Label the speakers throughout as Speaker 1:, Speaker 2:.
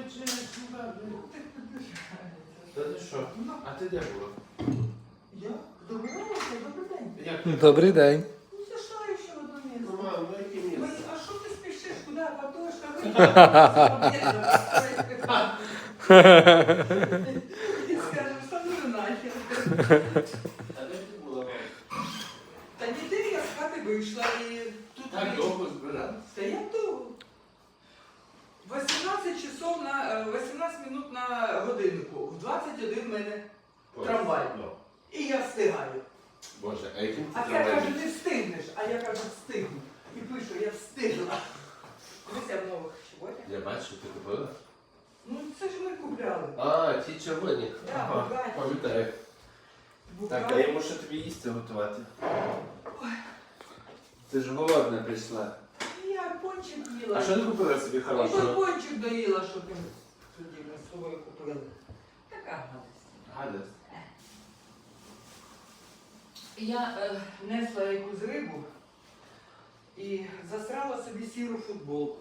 Speaker 1: Та ти що? А ти де була?
Speaker 2: Я? Добиралася? Добрий день.
Speaker 1: Як?
Speaker 3: Добрий день.
Speaker 2: Ну, зайшла ще в одне місце.
Speaker 1: Ну, мам, ну яке місце?
Speaker 2: А що ти спішиш? Куди? Катошка? І скажеш, що ну нахер.
Speaker 1: А де ти була, мам?
Speaker 2: Та ніде я з хати вийшла і тут...
Speaker 1: Так довго збиралась?
Speaker 2: Та я довго. 18 часов на 18 минут на годиннику. В 21 в мене трамвай.
Speaker 1: Ну.
Speaker 2: І я встигаю.
Speaker 1: Боже, а яким ти
Speaker 2: А я
Speaker 1: трамвай?
Speaker 2: кажу, ти встигнеш. А я кажу, встигну. І пишу, я встигла. Дивися в нових чоботях.
Speaker 1: Я бачу, ти купила?
Speaker 2: Ну це ж ми купляли.
Speaker 1: А, ті червоні.
Speaker 2: Да,
Speaker 1: Ага,
Speaker 2: бугаті.
Speaker 1: пам'ятаю. Так, а я мушу тобі їсти готувати. Ти ж голодна прийшла.
Speaker 2: Я пончик їла.
Speaker 1: А що ти купила собі
Speaker 2: Я той
Speaker 1: хорошого?
Speaker 2: пончик доїла, що ти тоді ми з собою купили. Така гадость.
Speaker 1: Гадость.
Speaker 2: Я несла якусь рибу і засрала собі сіру футболку.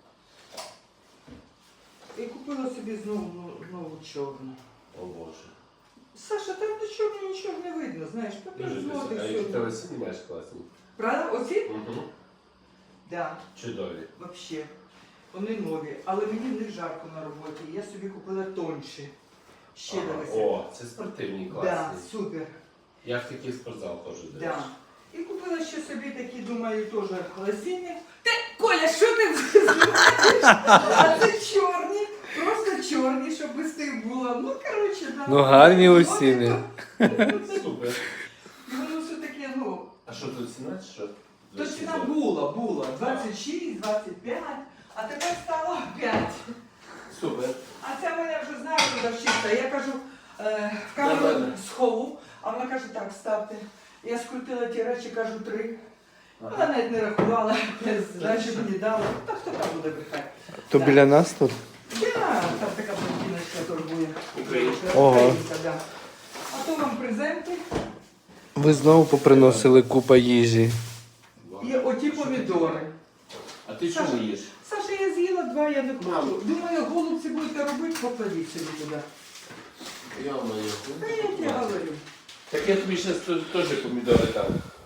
Speaker 2: І купила собі знову чорну.
Speaker 1: О Боже.
Speaker 2: Саша, там до чорного нічого не видно, знаєш,
Speaker 1: Дуже
Speaker 2: тепер знову
Speaker 1: красиво. А які
Speaker 2: сьогодні.
Speaker 1: тебе сині маєш класні?
Speaker 2: Правда? Оці?
Speaker 1: Угу.
Speaker 2: Да,
Speaker 1: Чудові.
Speaker 2: взагалі. Вони нові, але мені не жарко на роботі. Я собі купила тонші. Ще
Speaker 1: Ага.
Speaker 2: дивися.
Speaker 1: О, це спортивні, класні.
Speaker 2: Да, супер.
Speaker 1: Я в такий спортзал ходжу, до
Speaker 2: Да.
Speaker 1: речі.
Speaker 2: І купила ще собі такі, думаю, теж лосіни. Ти, Коля, що ти знімаєш? А це чорні, просто чорні, щоб без тих було. Ну, коротше, да.
Speaker 3: Ну, гарні лосіни.
Speaker 1: Супер.
Speaker 2: І воно все таке, ну,
Speaker 1: А що тут ціна, чи що?
Speaker 2: то ціна була. 26, 25, а тепер стало 5.
Speaker 1: Супер.
Speaker 2: А це мене вже знає продавщиця. Я кажу, в камеру
Speaker 1: Нормально.
Speaker 2: схову, а вона каже, так, ставте. Я скрутила ті речі, кажу, 3.
Speaker 1: Ага.
Speaker 2: Вона навіть не рахувала, здачі мені дала. Та хто там буде брехати?
Speaker 3: То
Speaker 2: Так.
Speaker 3: біля нас тут?
Speaker 2: Я, там така блондиночка торгує.
Speaker 1: Українська.
Speaker 3: Ого.
Speaker 2: Українська, да. А то вам презенти
Speaker 3: Ви знову поприносили купа їжі.
Speaker 2: і оті помідори.
Speaker 1: А ти чого їш?
Speaker 2: Саша, я з'їла 2, я не
Speaker 1: Мам.
Speaker 2: хочу. Думаю, голубці будете робити, покладіть собі туди.
Speaker 1: Я маю.
Speaker 2: Та я тебе говорю.
Speaker 1: Так я тобі зараз теж помідори дам.